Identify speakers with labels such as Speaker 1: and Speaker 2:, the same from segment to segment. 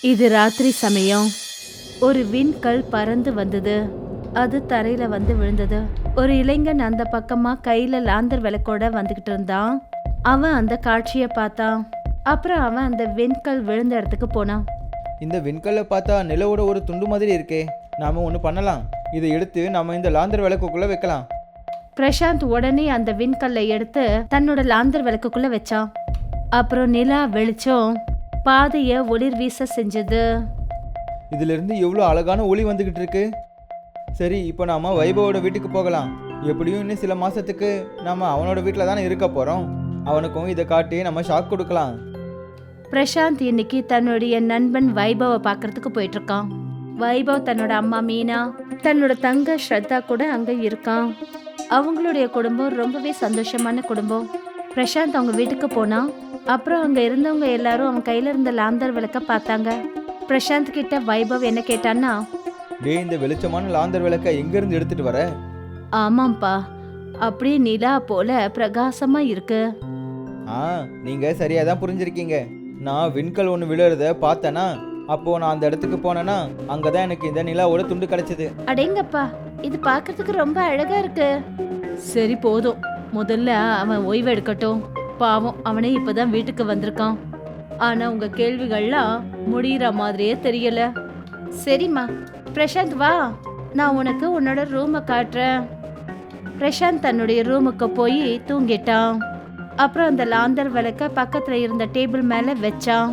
Speaker 1: இது ராத்திரி சமயம். ஒரு விண்கல் பறந்து வந்தது. அது தரையில வந்து விழுந்தது. ஒரு இளைஞன் அந்த பக்கமா கையில லாந்தர் விளக்கோட வந்துகிட்டு இருந்தான். அவன் அந்த காட்சியை பார்த்தான். அப்புறம் அவன் அந்த விண்கல் விழுந்த இடத்துக்கு போனான்.
Speaker 2: இந்த விண்கல்லை பார்த்தா நிலவோட ஒரு துண்டு மாதிரி இருக்கே. நாம ஒன்று பண்ணலாம். இதை எடுத்து நம்ம இந்த லாந்தர் விளக்குக்குள்ள வைக்கலாம்.
Speaker 1: பிரசாந்த் உடனே அந்த விண்கல்லை எடுத்து தன்னோட லாந்தர் விளக்குக்குள்ள வச்சான். அப்புறம் நிலா வெளிச்சம் பாதைய ஒளிர் வீச செஞ்சது.
Speaker 2: இதிலிருந்து எவ்வளோ அழகான ஒளி வந்துகிட்டு இருக்கு. சரி, இப்போ நாம வைபவோட வீட்டுக்கு போகலாம். எப்படியும் இன்னும் சில மாசத்துக்கு நாம அவனோட வீட்டில் தானே இருக்க போறோம். அவனுக்கும் இதை காட்டி நம்ம ஷாக் கொடுக்கலாம்.
Speaker 1: பிரசாந்த் இன்னைக்கு தன்னுடைய நண்பன் வைபவை பார்க்கறதுக்கு போயிட்டு இருக்கான். வைபவ் தன்னோட அம்மா மீனா, தன்னோட தங்க ஸ்ரத்தா கூட அங்க இருக்கான். அவங்களுடைய குடும்பம் ரொம்பவே சந்தோஷமான குடும்பம். பிரசாந்த் அவங்க வீட்டுக்கு போனான். அப்புறம் அங்க இருந்தவங்க எல்லாரும் அவன் கையில இருந்த லாந்தர் விளக்க பார்த்தாங்க. பிரசாந்த் கிட்ட வைபவ் என்ன கேட்டான்னா,
Speaker 2: டேய், இந்த வெளிச்சமான லாந்தர் விளக்கை எங்கேருந்து எடுத்துட்டு வர?
Speaker 1: ஆமாம்ப்பா, அப்படியே நிலா போல பிரகாசமா இருக்கு.
Speaker 2: நீங்க சரியா தான் புரிஞ்சிருக்கீங்க. நான் விண்கல் ஒன்று விழுறத பார்த்தேனா, அப்போ நான் அந்த இடத்துக்கு போனேன்னா அங்கதான் எனக்கு இந்த நிலாவோட துண்டு கிடைச்சது.
Speaker 1: அடேங்கப்பா, இது பார்க்கிறதுக்கு ரொம்ப அழகா இருக்கு. சரி போதும், முதல்ல அவன் ஓய்வு எடுக்கட்டும். பாவம், அவனே இப்பதான் வீட்டுக்கு வந்திருக்கான். ஆனா உங்க கேள்விகள்லாம் முடிகிற மாதிரியே தெரியல. சரிம்மா, பிரசாந்த் வா, நான் உனக்கு உன்னோட ரூமை காட்டுறேன். பிரசாந்த் தன்னுடைய ரூமுக்கு போய் தூங்கிட்டான். அப்புறம் அந்த லாந்தர் விளக்க பக்கத்துல இருந்த டேபிள் மேல வச்சான்.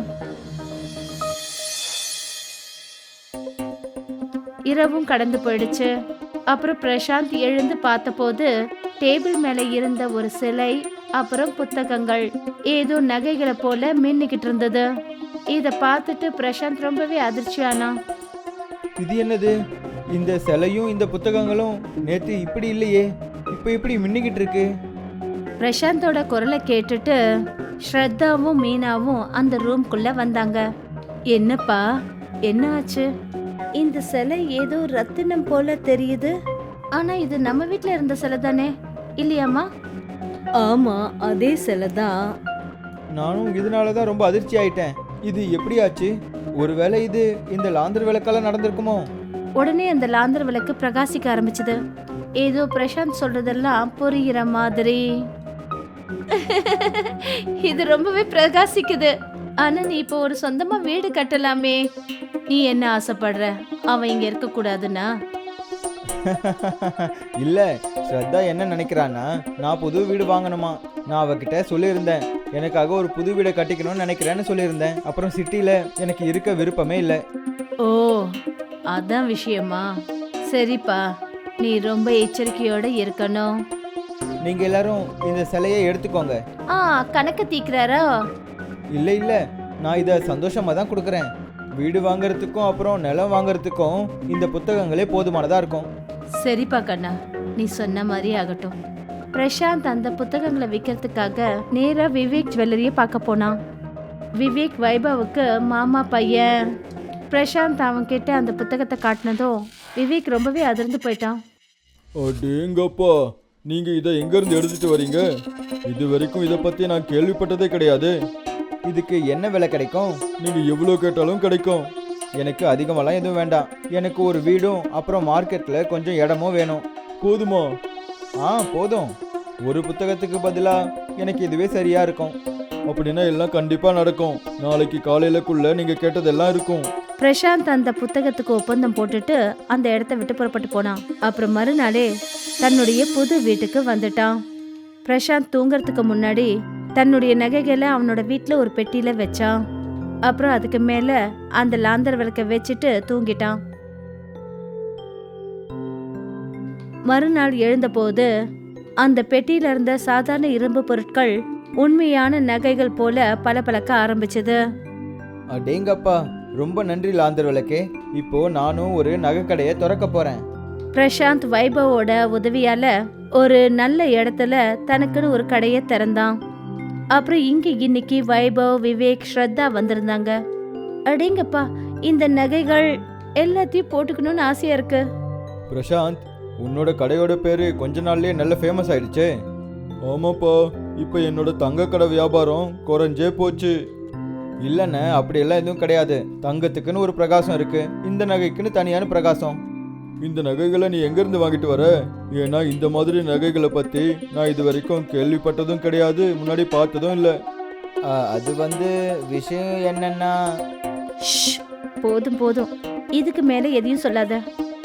Speaker 1: இரவும் கடந்து போயிடுச்சு. அப்புறம் பிரசாந்த் எழுந்து பார்த்தபோது டேபிள் மேல இருந்த ஒரு சிலை, அப்புறம் புத்தகங்கள், ஏதோ நகைகளை போல மின்னிக்கிட்டு இருந்தது. இத பார்த்துட்டு பிரசாந்த் ரொம்பவே அதிர்ச்சியானான்.
Speaker 2: இது என்னது? இந்த சிலையும் இந்த புத்தகங்களும் நேற்று இப்படி இல்லையே, இப்போ இப்படி மின்னிக்கிட்டு இருக்கு.
Speaker 1: பிரசாந்தோட குரலை கேட்டுட்டு ஸ்ரத்தாவும் மீனாவும் அந்த ரூம்குள்ள வந்தாங்க. என்னப்பா, என்ன ஆச்சு? இந்த சிலை ஏதோ ரத்தினம் போல தெரியுது. ஆனா இது நம்ம வீட்ல இருந்த சிலை தானே, இல்லையாம்மா? ஆமா, அதே சிலை தான்.
Speaker 2: நானும் இதனால தான் ரொம்ப அதிர்ச்சி ஆயிட்டேன். இது எப்படி ஆச்சு? ஒருவேளை இது இந்த லாந்தர் விளக்கால நடந்திருக்குமோ?
Speaker 1: உடனே அந்த லாந்தர் விளக்கு பிரகாசிக்க ஆரம்பிச்சது. ஏதோ பிரசாந்த் சொல்றதெல்லாம் புரிகிற மாதிரி. இது ரொம்பவே பிரகாசிக்குது. ஆனா நீ இப்போ ஒரு சொந்தமா வீடு கட்டலாமே. நீ என்ன ஆசைப்படுற? அவன் இங்க இருக்க கூடாதுன்னா?
Speaker 2: இல்ல, ஸ்ரத்தா என்ன நினைக்கிறான்னா, நான் புது வீடு வாங்கணுமா. நான் அவகிட்ட சொல்லியிருந்தேன், எனக்காக ஒரு புது வீடை கட்டிக்கணும்னு நினைக்கிறேன்னு சொல்லியிருந்தேன். அப்புறம் சிட்டில எனக்கு இருக்க விருப்பமே இல்லை.
Speaker 1: ஓ, அதான் விஷயமா? சரிப்பா, நீ ரொம்ப எச்சரிக்கையோட இருக்கணும்.
Speaker 2: நீங்க எல்லாரும் இந்த சிலையை எடுத்துக்கோங்க.
Speaker 1: கணக்கு தீக்குறாரா?
Speaker 2: இல்ல இல்ல, நான் இதை சந்தோஷமா தான் கொடுக்குறேன். வீடு வாங்குறதுக்கும் அப்புறம் நிலம் வாங்குறதுக்கும் இந்த புத்தகங்களே போதுமானதா இருக்கும்.
Speaker 1: சரிப்பா கண்ணா, நீ சொன்ன மாதிரி ஆகட்டும். பிரசாந்த் அந்த புத்தகங்களை விற்கிறதுக்காக நேரா விவேக் ஜுவல்லரியை பார்க்க போனான். விவேக் வைபவுக்கு மாமா பையன். பிரசாந்த் அவன் கிட்ட அந்த புத்தகத்தை காட்டினதும் விவேக் ரொம்பவே அதிர்ந்து போயிட்டான்.
Speaker 3: அடேங்கப்பா, நீங்க இதை எங்க இருந்து எடுத்துட்டு வரீங்க? இது வரைக்கும் இதை பத்தி நான் கேள்விப்பட்டதே கிடையாது.
Speaker 2: இதுக்கு என்ன விலை கிடைக்கும்?
Speaker 3: நீங்க எவ்வளவு கேட்டாலும் கிடைக்கும்.
Speaker 2: எனக்கு அதிகமெல்லாம் எதுவும் வேண்டாம். எனக்கு ஒரு வீடும் அப்புறம் மார்க்கெட்ல கொஞ்சம் இடமும் வேணும்.
Speaker 3: போதுமா?
Speaker 2: போதும். ஒரு புத்தகத்துக்கு பதிலா எனக்கு இதுவே சரியா இருக்கும்.
Speaker 3: அப்படின்னா எல்லாம் கண்டிப்பா நடக்கும். நாளைக்கு காலையிலக்குள்ள நீங்க கேட்டதெல்லாம் இருக்கும்.
Speaker 1: பிரசாந்த் அந்த புத்தகத்துக்கு ஒப்பந்தம் போட்டுட்டு அந்த இடத்த விட்டு புறப்பட்டு போனான். அப்புறம் மறுநாளே தன்னுடைய புது வீட்டுக்கு வந்துட்டான். பிரசாந்த் தூங்கறதுக்கு முன்னாடி தன்னுடைய நகைகளை அவனோட வீட்டுல ஒரு பெட்டியில வச்சான். அப்புறம் அதுக்கு மேல அந்த லாந்தர் விளக்க வச்சுட்டு தூங்கிட்டான். மறுநாள் எழுந்தபோது அந்த பெட்டியில இருந்த சாதாரண இரும்பு பொருட்கள் உண்மையான நகைகள் போல பளபளக்க ஆரம்பிச்சது.
Speaker 2: அடேங்கப்பா, ரொம்ப நன்றி லாந்தர் விளக்கே. இப்போ நானும் ஒரு நகைக்கடையை திறக்க போறேன்.
Speaker 1: பிரசாந்த் வைபவோட உதவியால ஒரு நல்ல இடத்துல தனக்குன்னு ஒரு கடையை திறந்தான். அப்புறம் இன்னைக்கு வைபவ், விவேக், ஸ்ரத்தா வந்திருந்தாங்க. அடேங்கப்பா, இந்த நகைகள் எல்லாத்தையும் போட்டுக்கணும்னு ஆசையா இருக்கு.
Speaker 3: பிரசாந்த், உன்னோட கடையோட பேரு கொஞ்ச நாள்லயே நல்ல ஃபேமஸ் ஆயிடுச்சு. ஆமாப்பா, இப்போ என்னோட தங்க கடை வியாபாரம் குறைஞ்சே போச்சு.
Speaker 2: இல்லைண்ணே அப்படியெல்லாம் எதுவும் கிடையாது. தங்கத்துக்குன்னு ஒரு பிரகாசம் இருக்கு, இந்த நகைக்குன்னு தனியான பிரகாசம்.
Speaker 3: இந்த நகைகளை நீ எங்கேருந்து வாங்கிட்டு வர? ஏன்னா இந்த மாதிரி நகைகளை பற்றி நான் இது வரைக்கும் கேள்விப்பட்டதும் கிடையாது, முன்னாடி பார்த்ததும் இல்லை.
Speaker 2: அது விஷயம் என்னன்னா,
Speaker 1: ஷ், போதும் போதும், இதுக்கு மேல எதையும் சொல்லாத.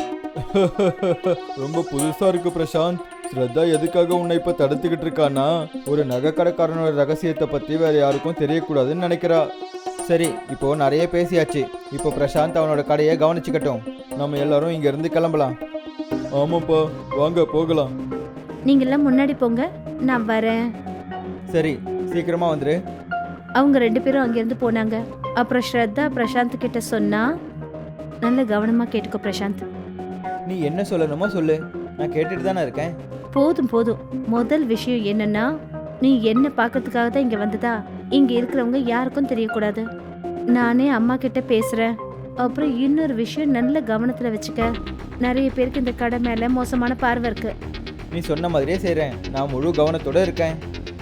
Speaker 3: ரொம்ப புதுசா இருக்கு பிரசாந்த். ஸ்ரத்தா எதுக்காக உன்னை இப்ப தடுத்துக்கிட்டு இருக்கானா,
Speaker 2: ஒரு நகை கடைக்காரனோட ரகசியத்தை பற்றி வேற யாருக்கும் தெரியக்கூடாதுன்னு நினைக்கிறா. சரி, இப்போ நிறைய பேசியாச்சு. இப்போ பிரசாந்த் அவனோட கடையை கவனிச்சுக்கட்டும். நம்ம எல்லாரும் இங்கேருந்து கிளம்பலாம்.
Speaker 3: ஆமாப்பா, வாங்க போகலாம்.
Speaker 1: நீங்கெல்லாம் முன்னாடி போங்க, நான் வரேன்.
Speaker 2: சரி, சீக்கிரமா வந்துரு.
Speaker 1: அவங்க 2 பேரும் அங்கிருந்து போனாங்க. அப்புறம் ஸ்ரத்தா பிரசாந்த் கிட்ட சொன்னா, நல்ல கவனமா கேட்டுக்கோ பிரசாந்த்.
Speaker 2: நீ என்ன சொல்லணுமோ சொல்லு, நான் கேட்டுட்டு தானே இருக்கேன்.
Speaker 1: போதும் போதும், முதல் விஷயம் என்னன்னா, நீ என்ன பார்க்கறதுக்காக தான் இங்க வந்ததா? இங்க இருக்கிறவங்க யாருக்கும் தெரியக்கூடாது. நானே அம்மா கிட்ட பேசுறேன். அப்புறம் இன்னொரு விஷயம் நல்ல கவனத்துல வச்சுக்க. நிறைய பேருக்கு இந்த கடை மேல மோசமான பார்வை இருக்கு.
Speaker 2: நீ சொன்ன மாதிரியே செய்கிறேன். நான் முழு கவனத்தோட இருக்கேன்.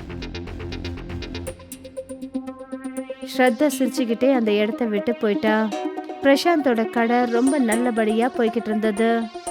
Speaker 1: ஸ்ரத்தா சிரிச்சுக்கிட்டே அந்த இடத்த விட்டு போயிட்டா. பிரசாந்தோட கடை ரொம்ப நல்லபடியா போய்கிட்டு இருந்தது.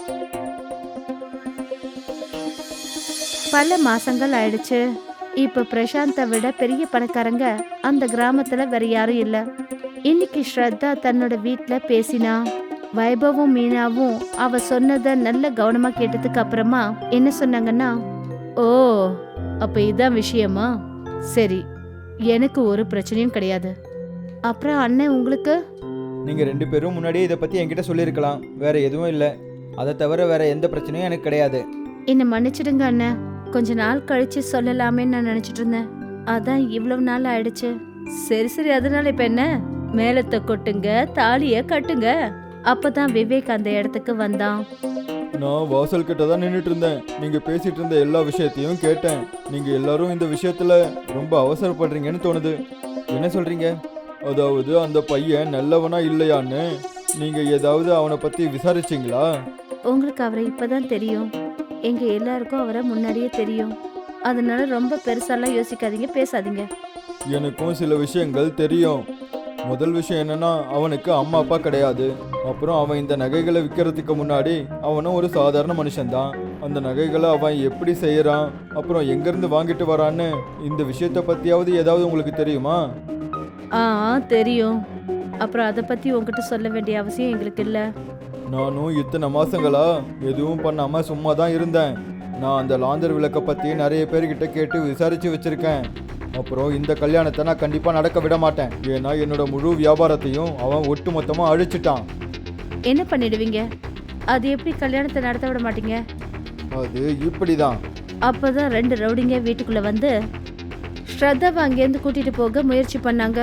Speaker 1: பல மாசங்கள் ஆயிடுச்சு. இப்ப பிரசாந்தை விட பெரிய பணக்காரங்க அந்த கிராமத்துல வேற யாரும் இல்ல. இன்னைக்கு ஸ்ரத்தா தன்னோட வீட்ல பேசினா. வைபவும் மீனாவும் அவ சொன்னதை நல்ல கவனமா கேட்டதுக்கு அப்புறமா என்ன சொன்னாங்கன்னா, ஓ அப்ப இதான் விஷயமா? சரி, எனக்கு ஒரு பிரச்சனையும் கிடையாது. அப்புறம் அண்ணன் உங்களுக்கு?
Speaker 2: நீங்கள் 2 பேரும் முன்னாடியே இதை பற்றி என்கிட்ட சொல்லியிருக்கலாம். வேற எதுவும் இல்லை. அதை தவிர வேற எந்த பிரச்சனையும் எனக்கு கிடையாது.
Speaker 1: என்னை மன்னிச்சிடுங்க அண்ணன், கொஞ்ச நாள் கழிச்சு சொல்லலாமேன்னு நான் நினைச்சிட்டு இருந்தேன். அதான் இவ்வளவு நாள் ஆயிடுச்சு. சரி சரி, அதனால இப்ப என்ன? மேலத்தை கொட்டுங்க, தாலிய கட்டுங்க. அப்பதான் விவேக் அந்த இடத்துக்கு வந்தான்.
Speaker 3: நான் வாசல் கிட்ட தான் நின்றுட்டு இருந்தேன். நீங்க பேசிட்டு இருந்த எல்லா விஷயத்தையும் கேட்டேன். நீங்க எல்லாரும் இந்த விஷயத்துல ரொம்ப அவசரப்படுறீங்கன்னு தோணுது.
Speaker 2: என்ன சொல்றீங்க?
Speaker 3: அதாவது அந்த பையன் நல்லவனா இல்லையான்னு நீங்க ஏதாவது அவனை பத்தி விசாரிச்சீங்களா?
Speaker 1: உங்களுக்கு அவரை இப்பதான் தெரியும். எங்க எல்லாருக்கும் அவரை முன்னாடியே தெரியும். அதனால ரொம்ப பெருசாலாம் யோசிக்காதீங்க, பேசாதீங்க.
Speaker 3: எனக்கும் சில விஷயங்கள் தெரியும். முதல் விஷயம் என்னன்னா, அவனுக்கு அம்மா அப்பா கிடையாது. அப்புறம் அவன் இந்த நகைகளை விற்கிறதுக்கு முன்னாடி அவனும் ஒரு சாதாரண மனுஷன்தான். அந்த நகைகளை அவன் எப்படி செய்யறான், அப்புறம் எங்கேருந்து வாங்கிட்டு வரான்னு இந்த விஷயத்தை பற்றியாவது ஏதாவது உங்களுக்கு தெரியுமா?
Speaker 1: ஆ தெரியும். அப்புறம் அதை பத்தி உங்ககிட்ட சொல்ல வேண்டிய அவசியம் எங்களுக்கு இல்லை.
Speaker 3: நானும் இத்தனை மாசங்களா எதுவும் பண்ணாம சும்மா தான் இருந்தேன். நான் அந்த லாந்தர் விளக்கை பற்றி நிறைய பேர்கிட்ட கேட்டு விசாரிச்சு வச்சிருக்கேன். அப்புறம் இந்த கல்யாணத்தை நான் கண்டிப்பாக நடக்க விட மாட்டேன். ஏன்னா என்னோட முழு வியாபாரத்தையும் அவன் ஒட்டு மொத்தமாக அழிச்சிட்டான்.
Speaker 1: என்ன பண்ணிடுவீங்க? அது எப்படி கல்யாணத்தை நடத்த விட மாட்டீங்க?
Speaker 3: அது இப்படிதான்.
Speaker 1: அப்பதான் 2 ரவுடிங்க வீட்டுக்குள்ள வந்து ஸ்ரத்தாவை அங்கேருந்து கூட்டிட்டு போக முயற்சி பண்ணாங்க.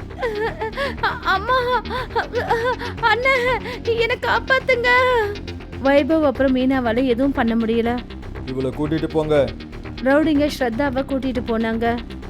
Speaker 1: அம்மா, அண்ணன், என்னை காப்பாத்துங்க. வைபவ் அப்புறம் மீனாவால எதுவும் பண்ண முடியல.
Speaker 3: இவளை கூட்டிட்டு போங்க.
Speaker 1: ரவுடிங்க ஸ்ரத்தாவை கூட்டிட்டு போனாங்க.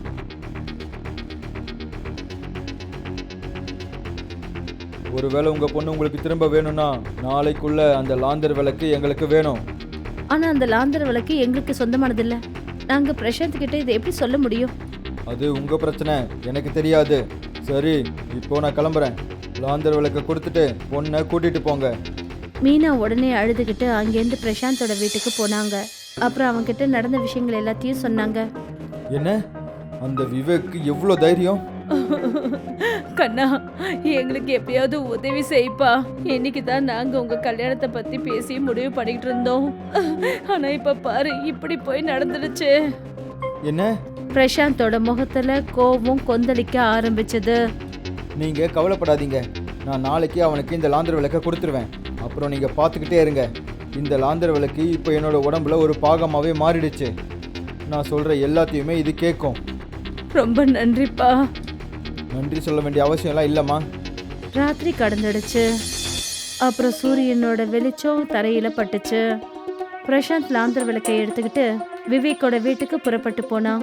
Speaker 3: ஒருவேளை உங்க பொண்ணு உங்களுக்கு திரும்ப வேணும்னா நாளைக்குள்ள அந்த லாந்தர் விளக்கு எங்களுக்கு வேணும்.
Speaker 1: ஆனா அந்த லாந்தர் விளக்கு எங்களுக்கு சொந்தமானது இல்ல. நாங்க பிரசாந்த் கிட்ட இதை எப்படி சொல்ல முடியும்?
Speaker 3: அது உங்க பிரச்சனை, எனக்கு தெரியாது. சரி, இப்போ நான் கிளம்புறேன். லாந்தர் விளக்கை கொடுத்துட்டு பொண்ணை கூட்டிட்டு போங்க.
Speaker 1: மீனா உடனே அழுதுகிட்டு அங்கேருந்து பிரசாந்தோட வீட்டுக்கு போனாங்க. அப்புறம் அவங்க கிட்ட நடந்த விஷயங்கள் எல்லாத்தையும் சொன்னாங்க.
Speaker 3: என்ன, அந்த விவேக்கு எவ்வளோ தைரியம்!
Speaker 1: கண்ணா, எங்களுக்கு எப்பயாவது உதவி செய்ப்பா. இன்னைக்கு தான் நாங்க உங்க கல்யாணத்தை பத்தி பேசி முடிவு பண்ணிட்டு இருந்தோம். ஆனா இப்ப பாரு, இப்படி போய் நடந்துடுச்சு.
Speaker 2: என்ன?
Speaker 1: பிரசாந்தோட முகத்துல கோபம் கொந்தளிக்க ஆரம்பிச்சது.
Speaker 2: நீங்க கவலைப்படாதீங்க. நான் நாளைக்கு அவனுக்கு இந்த லாந்தர் விளக்கை கொடுத்துருவேன். அப்புறம் நீங்க பார்த்துக்கிட்டே இருங்க. இந்த லாந்தர் விளக்கு இப்போ என்னோட உடம்புல ஒரு பாகமாகவே மாறிடுச்சு. நான் சொல்ற எல்லாத்தையுமே இது கேட்கும்.
Speaker 1: ரொம்ப நன்றிப்பா.
Speaker 2: நன்றி சொல்ல வேண்டிய அவசியம்லாம் இல்லைம்மா.
Speaker 1: ராத்திரி கடந்துடுச்சு. அப்புறம் சூரியனோட வெளிச்சம் தரையில பட்டுச்சு. பிரசாந்த் லாந்தர் விளக்கை எடுத்துக்கிட்டு விவேக்கோட வீட்டுக்கு புறப்பட்டு போனான்.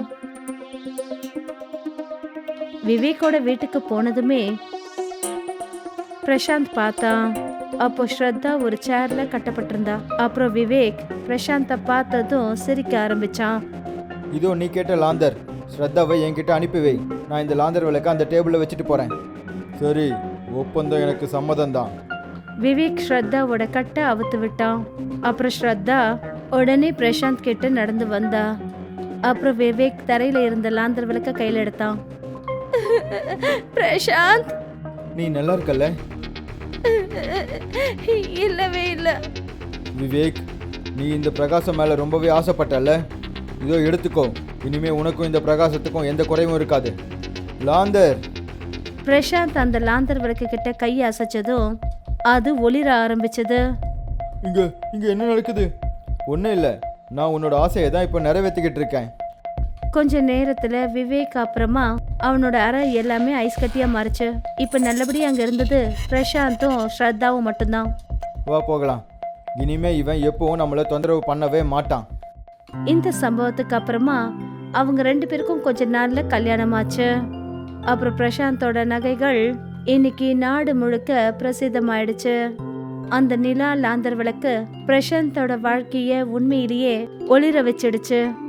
Speaker 1: விவேக்கோட வீட்டுக்கு போனதுமே பிரசாந்த் பார்த்தான். அப்போ ஸ்ரத்தா ஒரு சேர்ல கட்டப்பட்டிருந்தா. அப்புறம் விவேக் பிரசாந்த பார்த்ததும் சிரிக்க ஆரம்பிச்சான்.
Speaker 2: இதோ நீ கேட்ட லாந்தர். ஸ்ரத்தாவை என்கிட்ட அனுப்பி வை. நான் இந்த லாந்தர் விளக்க அந்த டேபிளில் வச்சுட்டு போகிறேன்.
Speaker 3: சரி, ஒப்பந்தம் எனக்கு சம்மதம் தான்.
Speaker 1: விவேக் ஸ்ரத்தாவோட கட்டை அவுத்து விட்டான். அப்புறம் ஸ்ரத்தா உடனே பிரசாந்த் கிட்ட நடந்து வந்தா. அப்புறம் விவேக் தரையில இருந்த லாந்தர் விளக்க கையில எடுத்தான். பிரசாந்த்,
Speaker 2: நீ நல்லா இருக்கல்ல?
Speaker 1: இல்லவே இல்லை.
Speaker 2: விவேக், நீ இந்த பிரகாசம் மேலே ரொம்பவே ஆசைப்பட்டல்ல? இதோ எடுத்துக்கோ. இனிமே உனக்கும் இந்த பிரகாசத்துக்கும் எந்த குறையும் இருக்காது. லாந்தர்.
Speaker 1: பிரசாந்த் அந்த லாந்தர் விளக்கு கிட்ட கையை அசைச்சதும் அது ஒளிர ஆரம்பிச்சது.
Speaker 3: இங்க இங்க என்ன நடக்குது?
Speaker 2: ஒன்றும் இல்லை, நான் உன்னோட ஆசையை தான் இப்போ நிறைவேற்றிக்கிட்டு இருக்கேன்.
Speaker 1: கொஞ்ச நேரத்துல விவேக் அப்புறமா அவனோட அறை எல்லாமே ஐஸ் கட்டியா மாறிச்சு. இப்ப நல்லபடியா அங்க இருந்தது பிரசாந்தும் ஸ்ரத்தாவும் மட்டும்தான்.
Speaker 2: வா போகலாம். இனிமே இவன் எப்பவும் நம்மளை தொந்தரவு பண்ணவே மாட்டான்.
Speaker 1: இந்த சம்பவத்துக்கு அப்புறமா அவங்க 2 பேருக்கும் கொஞ்ச நாள்ல கல்யாணம் ஆச்சு. அப்புறம் பிரசாந்தோட நகைகள் இன்னைக்கு நாடு முழுக்க பிரசித்தமாயிடுச்சு. அந்த நிலா லாந்தர் விளக்கு பிரசாந்தோட வாழ்க்கைய உண்மையிலேயே ஒளிர வச்சிடுச்சு.